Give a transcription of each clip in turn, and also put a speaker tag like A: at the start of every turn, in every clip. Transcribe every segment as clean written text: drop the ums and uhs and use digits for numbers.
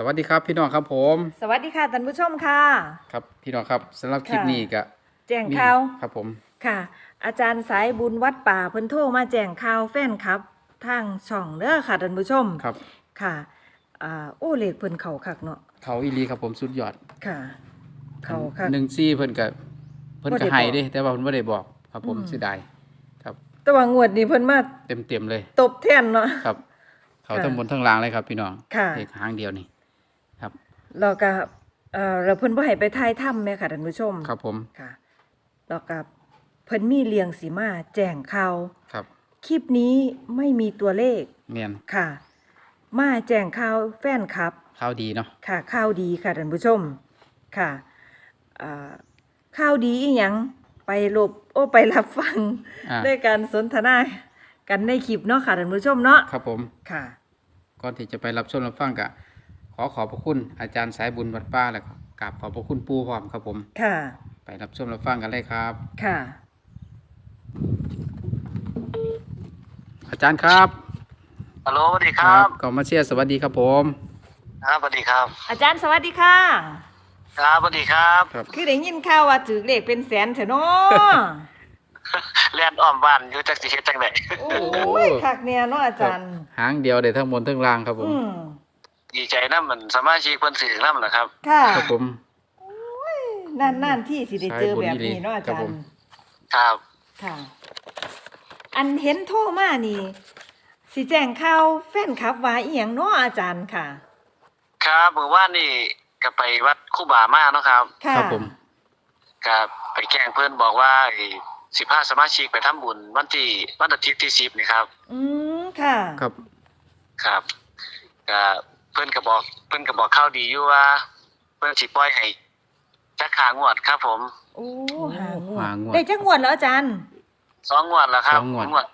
A: วัสดีครับพี่น้องครับผม
B: สวัสดีค่ะท่านผู้ชมค่ะ
A: ครับพี่น้องครับสำหรับคลิปนี้ก็
B: แจ้งข่าว
A: ครับผม
B: ค่ะ อาจารย์สายบุญวัดป่าเพิ่นโทรมาแจ้งข่าวแฟนครับทางช่องเด้อค่ะท่านผู้ชม
A: ครับ
B: ค่ะโอ้เลขเพิ่นเข้าคักเนาะ
A: เขาอีหลีครับผมสุดยอด
B: ค่ะ เข้าคัก
A: 14เพิ่นก็ให้เด้แต่ว่าเพิ่นบ่ได้บอกครับผมเสียดายครับ
B: แต่ว่างวดนี้เพิ่นมา
A: เต็มเลย
B: ตบแทนเนาะ
A: ครับเขาทั้งบนทั้งล่างเลยครับพี่น้อง
B: ค่ะ
A: เลขหางเดียวนี่ครับ
B: แล้วก็แล้วเพิ่นบ่ให้ไปถ่ายถ้ำแม่ค่ะท่านผู้ชม
A: ครับผม
B: ค่ะแล้วก็เพิ่นมีเลี้ยงสิมาแจ้งข่าว
A: ครับ
B: คลิปนี้ไม่มีตัวเลข
A: แม่น
B: ค่ะ มาแจ้งข่าวแฟนครับ
A: ข่าวดีเนาะ
B: ค่ะข่าวดีค่ะท่านผู้ชมค่ะข่าวดีอีหยังไปรับฟังด้วยการสนทนากันในคลิปเนาะค่ะท่านผู้ชมเนาะ
A: ครับผม
B: ค่ะ
A: ก่อนที่จะไปรับชมรับฟังก็ขอบพระคุณอาจารย์สายบุญวัดป่าแล้วก็กราบขอบพระคุณปู่พร้อมครับผม
B: ค่ะ
A: ไปรับชมรับฟังกันเลยครับ
B: ค่ะ
A: อาจารย์ครับ
C: ฮัลโหลสวัสดีครับ
A: ก็มาเชียร์สวัสดีครับผม
C: ครับสวัสดีครับ
B: อาจารย์สวัสดีค่ะ
C: ครับสวัสดีครับ
B: คือได้ยินข่าวว่าถือเลขเป็นแสนเถอะเนาะ
C: เรียนอ้อมบ้านอยู่จักสิเฮ็ดจังได๋
B: โอ้ยคักเนี่ยเนาะอาจารย์
A: หางเดียวได้ทั้งบนทั้งล่างครับผม
C: ดีใจนำมันสมาชิกเพิ่นซื้อนำล่ะครับ
B: ค่ะ
A: ครับผม
B: นั่นที่สิได้เจอแบบนี้เนาะอาจารย์
C: ครับ
B: ค่ะอันเห็นโทรมานี่สิแจ้งข่าวแฟนคลับว่าอีหยังเนาะอาจารย์ค่ะ
C: ครับเมื่อวานนี่ก็ไปวัดครูบามาเนาะครับ
A: ครับผม
C: ก็ไปแจ้งเพิ่นบอกว่าสิพาสมาชิกไปทำบุญวันอาทิตย์ที่10นี่ครับ
B: ค่ะ
A: ครับ
C: ครับก็เพิ่นก็บอกข่าวดีอยู่ว่าเพิ่นสิปล่อยให้จักหางวดครับผม
B: โอ้หางวดได้จักงวดแล้วอาจารย์
C: 2งวดแล้วครับ
A: 2งวด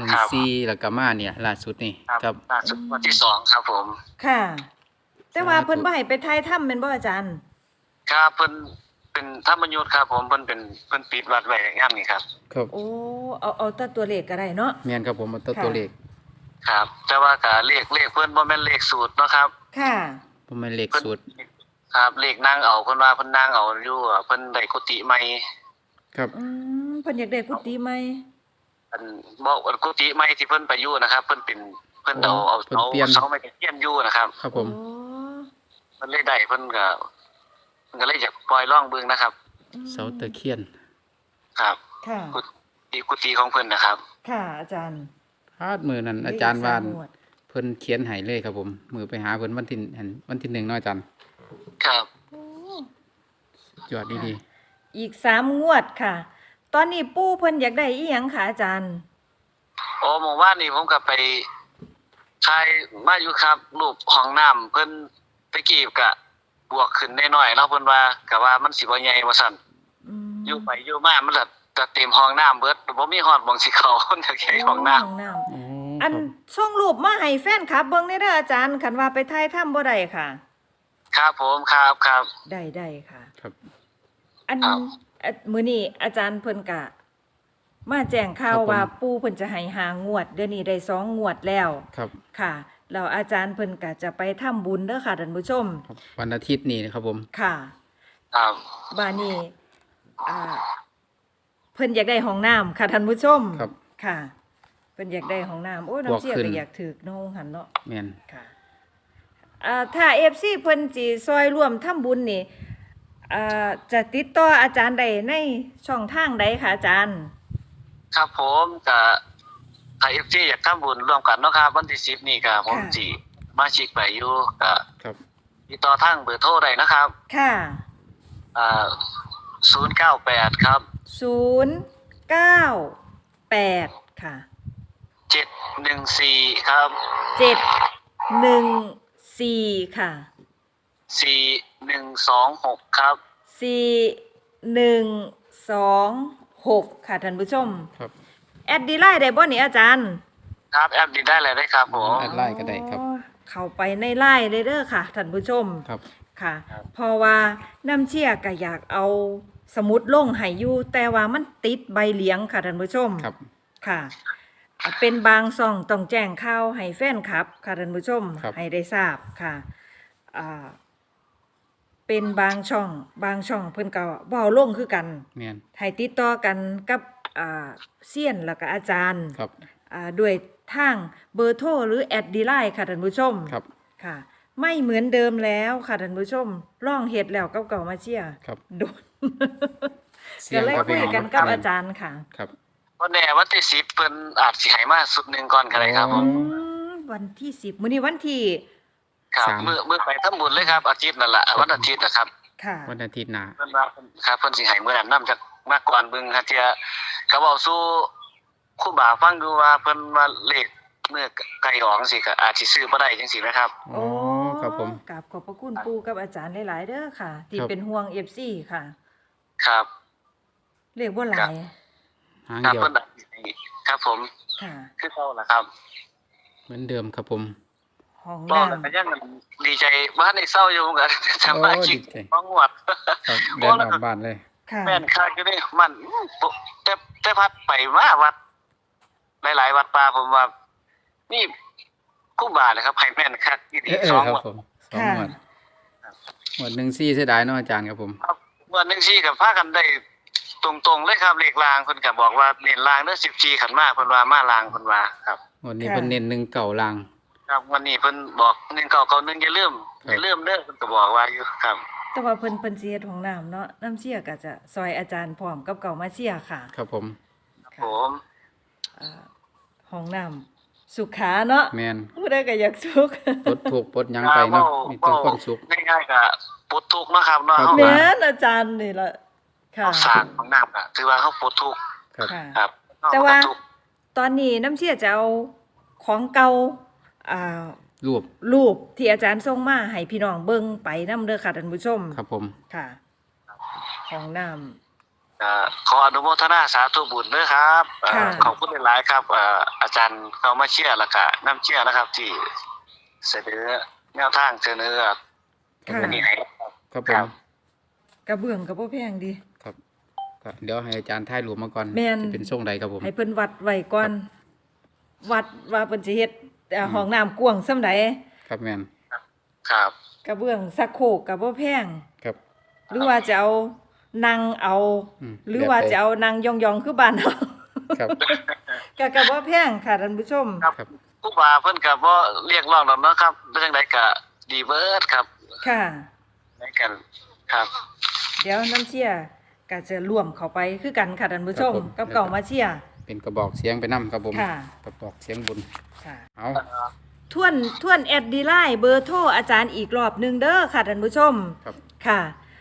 A: 14แล้วก็มาเนี่ยล่าสุดนี่
C: ครับล่าสุดวันที่2ครับผม
B: ค่ะแต่ว่าเพิ่นบ่ให้ไปถ่ายถ้ำแม่นบ่อาจารย์
C: ครับเพิ่นเป็นธรรมยุทธครับผมเพิ่นปิดวัดไว้งามนี่ครับ
A: ครับ
B: โอ้เอาแต่ตัวเลขก็ได้เนาะ
A: แม่นครับผมเอาตัวเลข
C: ครับแต่ว่าก็เลขเพิ่นบ่แม่นเลขสูตรเนาะครับ
B: ค่ะ
A: บ่แม่นเลขสูตร
C: ครับเลขนั่งเอาเพิ่นว่าเพิ่นนั่งเอาอยู่เพิ่นได้กุฏิใหม่
A: ครับ
B: เพิ่นอยากได้กุฏิใหม่
C: อันบ่กุฏิใหม่ที่เพิ่นไปอยู่นะครับเพิ่นเอาเสาไม้ตะเคียนอยู่นะครับ
A: ครับผม
C: เพิ่นเลยได้เพิ่นก็เลยอยากปล่อยร่องเบิ่งนะครับ
A: เสาตะเคียน
C: ครับ
B: ค่ะ
C: กุฏิของเพิ่นนะครับ
B: ค่ะอาจารย์
A: พาดมือนั้นอาจารย์วานเพิ่นเขียนให้เลยครับผมมือไปหาเพิ่นวันที่1เนาะอาจารย์
C: ครับ
A: ยอดดี
B: อีก3งวดค่ะตอนนี้ปู่เพิ่นอยากได้อีหยังค่ะอาจารย์
C: เมื่อวานนี้ผมก็ไปถ่ายมาอยู่ครับรูปห้องน้ำเพิ่นตะกี้ก็บวกขึ้นน้อยๆเนาะเพิ่นว่าก็ว่ามันสิบ่ใหญ่ว่าซั่นอยู่ไปอยู่มามันจะเต็มห้องน้ำเบิดบ่มีฮอดหม้องสิเข้าจักแค่ห้องน้
B: ำอันส่งรูปมาให้แฟนคลับเบิ่งได้เด้ออาจารย์คันว่าไปถ่ายถ้ำบ่ได้ค่ะ
C: ครับผมครับ
B: ได้ค่ะ
A: ครับ
B: อันมื้อนี้อาจารย์เพิ่นก็มาแจ้งข่าวว่าปู่เพิ่นจะให้5งวดเดี๋ยวนี้ได้2งวดแล้ว
A: ครับ
B: ค่ะแล้วอาจารย์เพิ่นก็จะไปทำบุญเด้อค่ะท่านผู้ชม
A: วันอาทิตย์นี้นะครับผม
B: ค่ะ
C: ครับ
B: บ้านนี้เพิ่นอยากได้ห้องน้ำค่ะท่านผู้ชม
A: ครับ
B: ค่ะเพิ่นอยากได้ห้องน้ำโอ้น้ำเสียก็อยากถึกน้องหันเนาะ
A: แม่น
B: ค่ะถ้า FC เพิ่นสิซอยร่วมทำบุญนี่จะติดต่ออาจารย์ได้ในช่องทางใดคะอาจารย์
C: ครับผมก็ถ้า FG อยากทำบุญร่วมกันเนาะครับวันที่10นี่ก็ผมสิมาชิกไปอยู่ก็
A: ครับ
C: ติดต่อทางเบอร์โทรได้นะครับ
B: ค่ะ
C: 098ครับ
B: 098ค่ะ
C: 714ครับ
B: 714ค่ะ
C: 4126ครับ
B: 4126ค่ะท่านผู้ชม
A: ครับ
B: แอดดีไลน์ได้บ่นี่อาจารย์
C: ครับแอดดีได้เลยได้ครับผม
A: แอดไลน์ก็ได้ครับ
B: เข้าไปในไลน์เลยเด้อค่ะท่านผู้ชม
A: ครับ
B: ค่ะเพราะว่าน้ำเชี่ยก็อยากเอาสมุดลงให้อยู่แต่ว่ามันติดใบเหลียงค่ะท่านผู้ชม
A: ครับ
B: ค่ะเป็นบางซ่องต้องแจ้งข่าวให้แฟนคลับค่ะท่านผู้ชมให้ได้ทราบค่ะอ่าเป็นบางช่องเพิ่นก็บ่เอาลงคือกัน
A: แม่น
B: ให้ติดต่อกันกับเซียนแล้วก็อาจารย์
A: ครับ
B: ด้วยทางเบอร์โทรหรือแอดดีไลน์ค่ะท่านผู้ชม
A: ครับ
B: ค่ะ ไม่เหมือนเดิมแล้วค่ะท่านผู้ชมร่องเฮ็ดแล้วเก่าๆมาเชียร์
A: ครับ
B: โดน
A: เสีย
B: ก็
A: ง
B: เลย
A: ครับ
B: คุยกันกับอาจารย์ค่ะ
A: ครับ
C: วันแน่วันที่10เพิ่นอาจสิให้มาสุดหนึงก่อนก็ได้ครับผม
B: วันที่10มื้อนี้วันที่
C: ครับ
A: สาม
C: มื้อไปทำบุญเลยครับอาทิตย์นั่นล่ะวันอาทิตย์นะครับ
B: ค่ะ
A: วันอาทิตย์หน้า
C: เพิ่นว่าครับเพิ่นสิให้มื้อนั้นนํจากมาก่อนเบิ่งฮะเที่ยก็เว้าสู่ครูบาฟังดูว่าเพิ่นว่าเลขเมื่อไกลออกจังซี่ก็อาจสิซื้อบ่ได้จังซี่นะครับ
A: อ๋อครับผม
B: กราบขอบพระคุณปู่กับอาจารย์หลายๆเด้อค่ะ ที่
A: ครับ
B: เป็นห่วง FC ค่ะ
C: ครับ
B: เรียกว่าหลาย
A: หาง
C: ครับ
A: เดียว
C: เพิ่นครับผม
B: ค่ะ
C: คือเก่าล่ะครับ
A: เหมือนเดิมครับผม
B: ห้อง
C: ก็
B: น้ำ
C: ก็ยังดีใจว่าในเศร้าอยู่กันสมาชิก
A: โอ้ดีใจ
C: ของวัด
A: ครับเดินออกบ้านเลย
B: ค่ะ
C: แม่นค่าอยู่นี่มันแต่พัดไปมาวัด หลายๆวัดป่าผมว่านี่คู่บาเลยครับให้แม่นคักที่ดีสอง
A: ครับ
C: วัด
A: ผมสองงวดงวดหนึ่งซี่เสียดายเนาะอาจารย์ครับผม
C: วันหนึงซี่กับพากันได้ตรงๆเลยครับเลขรางเพิ่นก็บอกว่าเน้นรางเด้อ14ขันมาเพิ่นว่ามารางเพิ่นว่าครับ
A: งวดนี้เพิ่นเน้นหนึ่งเก่าลาง
C: ครับวันนี้เพิ่นบอก1991อย่าลืมเด้อเพิ่นก็บอกว่าอยู่ครับ
B: แต่ว่าเพิ่นสิเฮ็ดห้องน้ำเนาะน้ำเชี่ยก็จะซอยอาจารย์พร้อมกับเก่ามาเชี่ยค่ะ
A: ครับผม
C: ผม
B: ห้องน้ำสุขาเนาะ
A: แม่น
B: ผู้ใดก็อยากสุข
A: ปลดทุกข์ปลดหยังไปเนาะมีแต่ความสุข
C: ง่ายๆก็ปลดทุกข์เนาะครับเนาะ
A: ครับ
C: เฮา
B: แม่นอาจารย์นี่ล่ะค่ะ
C: เฮาสร้างของน้ำก็ถือว่าเฮาปลดทุกข์
A: ครับ
B: ค่ะ
C: ครับ
B: แต่ว่า
C: เฮปลดทุกข์
B: ตอนนี้น้ำเชี่ยจะเอาของเก่าอ่า
A: รูป
B: รูปที่อาจารย์ส่งมาให้พี่น้องเบิ่งไปนํเด้อค่ะท่านผู้ชม
A: ครับผม
B: ค่ะห้องน้ำ
C: ขออนุโมทนาสาธุบุญด้วยครับ
B: ค่ะ
C: ขอบคุณหลายๆครับอาจารย์เข้ามาเชื่อแล้วก็น้ำเชื่อนะครับ ที่เสนอแนวทางเสนอ
B: ค่ะ
C: อันนี้ให้
A: ครับผ
C: ครั
A: ม
C: บ
B: กระเบื้องก็บ่แพงดี
A: ครับก็เดี๋ยวให้อาจารย์ถ่ายรูปมาก่อน
B: แม่น
A: จะเป็นทรงใดครับผม
B: ให้เพิ่นวัดไว้ก่อน วัดว่าเพิ่นสิเฮ็ดห้องน้ำกว้างส่ำใด
A: ครับแม่น
C: ครับ
B: กระเบื้องสักโครกก็บ่แพง
A: ครับ
B: หรือว่าจะเอานั่งเอา หรือว่าจะเอานั่งยองๆคือบ้านเฮา
A: ครับ
B: ก็บ่แพงค่ะท่านผู้ชม
C: ครับ
A: ครับ
C: ผู้บาเพิ่นก็บ่เรียกร้องดอกเนาะครับเป็นจังไดก็ดีเบิดครับ
B: ค่ะ
C: ในกันครับ
B: เดี๋ยวน้ำเชี่ยก็จะร่วมเข้าไปคือกันค่ะท่านผู้ชม กับเก่ามาเชี่ย
A: เป็นกระบอกเสียงไปนํครับผม
B: ค่ะ
A: กระบอกเสียงบุญ
B: ค่ะ
A: เอา
B: ทวนแอดดีไลน์เบอร์โทรอาจารย์อีกรอบหนึงเด้อค่ะท่านผู้ชม
A: ครับ
B: ค่ะ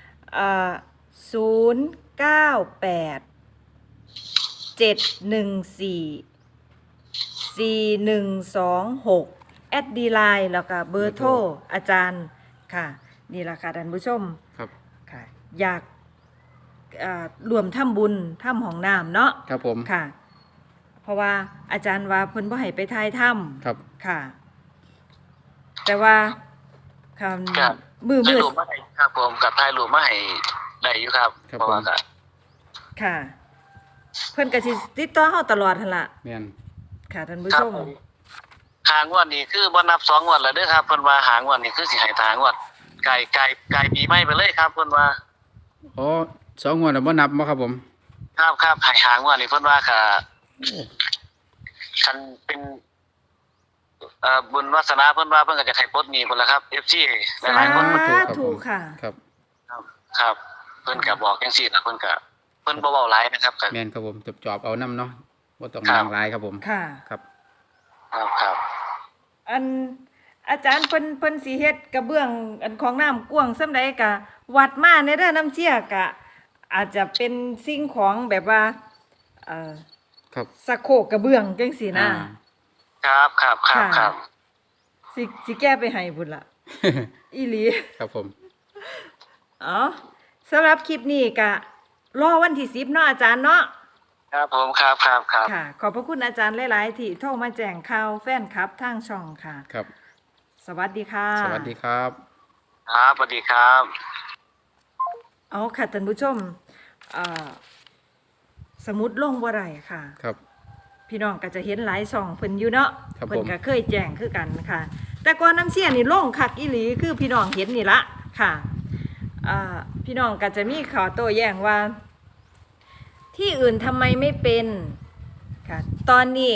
B: 098-714-4126แอดดีไลน์แล้วก็เบอร์โทรอาจารย์ค่ะ นี่ล่ะค่ะท่านผู้ชม
A: ครับ
B: ค่ะ อยากรวมทำบุญทำห้องน้ำเนาะ
A: ครับผม
B: ค่ะ เพราะว่าอาจารย์ว่าเพิ่นบ่ให้ไปทายถ้
A: ครับ
B: ำค่ะ แต่ว่าค
C: ครับ
B: ำมือ
C: ถ่ายรูปมาให้ครับผมกับถ่ายรูปมาให้ได้อยู่ครับ
A: ครับ
C: เพราะว่า
A: ผม
C: ก็
B: ค่ะ เพิ่นก็สิติดต่อเฮาตลอดหั่นล่ะ
A: แม่น
B: ค่ะท่านผู้
C: ครั
B: ช
C: บ
B: ม
C: ผมหางวดนี่คือบ่นับ2งวดแล้วเด้อครับเพิ่นว่าหางวดนี่คือสิให้ทางวดไกลปีใหม่ไปเลยครับเพิ่นว่า
A: อ๋อสองงวดแล้วบ่นับบ่ครับผม
C: ครับให้หางวดนี่เพิ่นว่าค่ะ
A: โอ้
C: คันเป็นบุญวาสนาเพิ่นว่าเพิ่นก็จะให้ปลดหนี้พุ่นล่ะครับ FC ห
B: สา
C: ลายๆคน
B: ธุค่ะ
A: ครับ
C: ครับ เพิ่นก็บอกจังซี่ล่ะเพิ่นก็เพิ่นบ่เว้าหลายนะครับก็
A: แม่นครับผมจอบๆเอานํเนาะบ่ต้อง
C: ครับ
A: นางหลายครับผม
B: ค่ะ
A: ครับ
C: ครับ
B: อันอาจารย์เพิ่นสิเฮ็ดกระเบื้องอันของน้ำกว้างส่ำใดก็วัดมาในเด้อน้ำเชี่ยก็อาจจะเป็นสิ่งของแบบว่า
A: ครับ
B: สะโครกกระเบื้องจังซี่นะ
C: ครับ
B: สิแก้ไปให้พุ่นล่ะ อีหลี
A: ครับผม
B: อ๋อสำหรับคลิปนี้ก็รอวันที่10เนาะอาจารย์เนาะ
C: ครับผมครับ
B: ค่ะ ขอบพระคุณอาจารย์หลายๆที่โทรมาแจ้งข่าวแฟนคลับทางช่องค่ะ
A: ครับ
B: สวัสดีค่ะ
A: สวัสดีครับ
C: ครับสวัสดีครับ
B: เอาค่ะท่านผู้ชมสมุดลงบ่ได้ค่ะ
A: ครับ
B: พี่น้องก็จะเห็นหลายช่องเพิ่นอยู่เนาะ
A: ครับผม
B: เพิ่นก็เคยแจ้งคือกันค่ะแต่ก่อนน้ำเชี่ยนี่ลงคักอีหลีคือพี่น้องเห็นนี่ละค่ะพี่น้องก็จะมีขอโต้แย้งว่า ที่อื่นทำไมไม่เป็นค่ะตอนนี้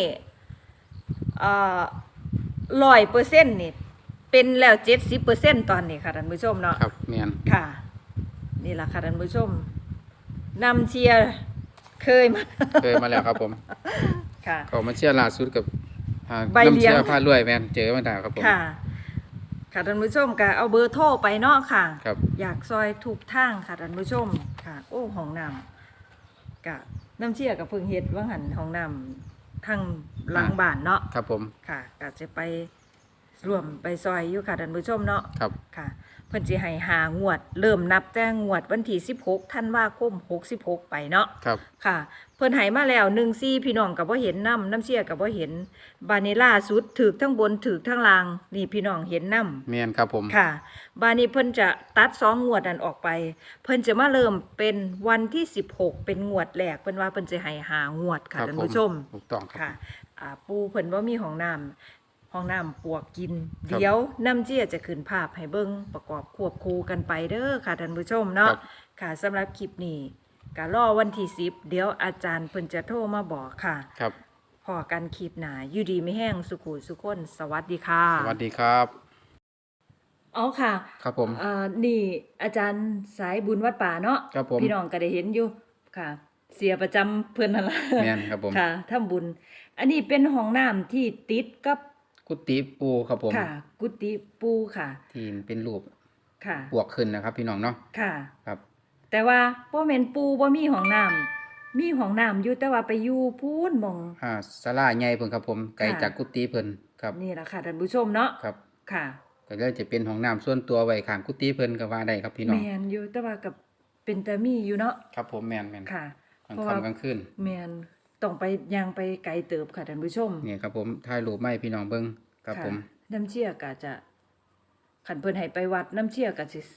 B: 100%นี่เป็นแล้ว70%ตอนนี้ค่ะท่านผู้ชมเนาะ
A: ครับแม่น
B: ค่ะ นี่แหละค่ะท่านผู้ชมนำเชียร์เคยมา
A: เคยมาแล้วครับผม
B: ค่ะ
A: เขามาเชียร์ล่าสุดกับ
B: ใบเลี้ยง
A: น้ำเชียร์พารวยแม่นเจอมาได้ครับผม
B: ค่ะ ค่ะท่านผู้ชมก็เอาเบอร์โทรไปเนาะค่ะ
A: ครับ
B: อยากซอยถูกทางค่ะท่านผู้ชมค่ะ โอ้ห้องน้ำกะน้ำเชี่ยกับเพิ่งเฮ็ดว่าหันห้องน้ำทางหลังบ้านเนาะ
A: ครับผม
B: ค่ะก็จะไปร่วมไปซอยอยู่ค่ะท่านผู้ชมเนาะ
A: ครับ
B: ค่ะเพิ่นสิให้หางวด เริ่มนับแต่งวดวันที่16ธันวาคม66ไปเนาะ
A: ครับ
B: ค่ะเพิ่นให้มาแล้ว14พี่น้องก็บ่เห็นน้ำเชี่ยก็บ่เห็นบาดนี้ล่าสุดถูกทั้งบนถูกทั้งล่างนี่พี่น้องเห็นนำ
A: แม่นครับผม
B: ค่ะบาดนี้เพิ่นจะตัด2งวดนั้นออกไป เพิ่นจะมาเริ่มเป็นวันที่16เป็นงวดแรกเพิ่นว่าเพิ่นจะให้หางวดค่ะท่านผู้ชม
A: ถูกต้องครับ
B: ค่ะปูเพิ่นว่ามีห้องน้ำปวกกิน
A: ครับ
B: เดี๋ยวน้ำเจี้ยจะขึ้นภาพให้เบิ่งประกอบควบคู่กันไปเด้อค่ะท่านผู้ชมเนาะ
A: ครับ
B: ค่ะสำหรับคลิปนี้ก็รอวันที่10เดี๋ยวอาจารย์เพิ่นจะโทรมาบอกค่ะ
A: ครับ
B: พอกันคลิปหน้าอยู่ดีไม่แห้งสุขุสุขคนสวัสดีค่ะ
A: สวัสดีครับ
B: อ๋อค่ะ
A: ครับผม
B: นี่อาจารย์สายบุญวัดป่าเนาะ
A: ครับผม
B: พี่น้องก็ได้เห็นอยู่ค่ะ เสียประจำเพิ่นนั่นล่ะ
A: แม่นครับผม
B: ค่ะทำบุญ อันนี้เป็นห้องน้ำที่ติดกับ
A: กุฏิปูครับผม
B: ค่ะ กุฏิปูค่ะ
A: ที่เป็นรูป
B: ค่ะ
A: บวกขึ้นนะครับ พี่น้องเนาะ
B: ค่ะ
A: ครับ
B: แต่ว่าบ่แม่นปูบ่มีห้องน้ำมีห้องน้ำอยู่แต่ว่าไปอยู่พูนหมอง
A: ศาลาใหญ่เพิ่นครับผมไกล
B: ค่ะ
A: จากกุฏิเพิ่นครับ
B: นี่ล่ะค่ะท่านผู้ชมเนาะ
A: ครับ
B: ค่ะ
A: ก็เลยจะเป็นห้องน้ำส่วนตัวไว้ข้างกุฏิเพิ่นก็ว่าได้ครับพี่น้อง
B: แม่นอยู่แต่ว่ากับเป็นตามีอยู่เนาะ
A: ครับผมแม่นแม่น
B: ค่ะ
A: กลาง
B: เพราะว่า
A: ค่ำกลางคืน
B: แม่นต้องไปย่างไปไกลเติบค่ะท่านผู้ชม
A: นี่ครับผมถ่ายรูปมาให้พี่น้องเบิ่งครับ
B: ค่ะ
A: ผม
B: น้ำเชี่ยก็จะขันเพิ่นให้ไปวัดน้ำเชี่ยก็สิ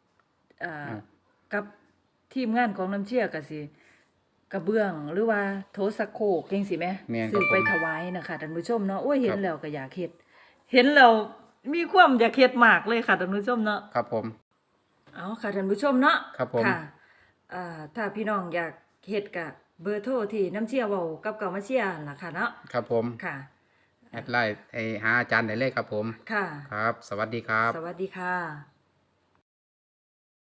B: กับทีมงานของน้ำเชี่ยก็สิกระเบื้องหรือว่าโถสักโครกจังซี่แหม
A: แม่นค
B: ซื้
A: รับ
B: อ
A: ผ
B: ไป
A: ม
B: ถวายนะคะท่านผู้ชมเนาะโอ้ยเห็
A: คน รับ
B: แล้วก็อยากเฮ็ดเห็นแล้วมีความอยากเฮ็ดมากเลยค่ะท่านผู้ชมเนาะ
A: ครับผม
B: เอาค่ะท่านผู้ชมเนาะ
A: ครับผม
B: ค่ะถ้าพี่น้องอยากเฮ็ดก็เบอร์โทรที่น้ำเชี่ยเว้ากับเก่ามาเชี่ยล่ะค่ะเนาะ
A: ครับผม
B: ค่ะ
A: แอดไลน์หาอาจารย์ได้เลยครับผม
B: ค่ะ
A: ครับ สวัสดีครับ
B: สวัสดีค่ะ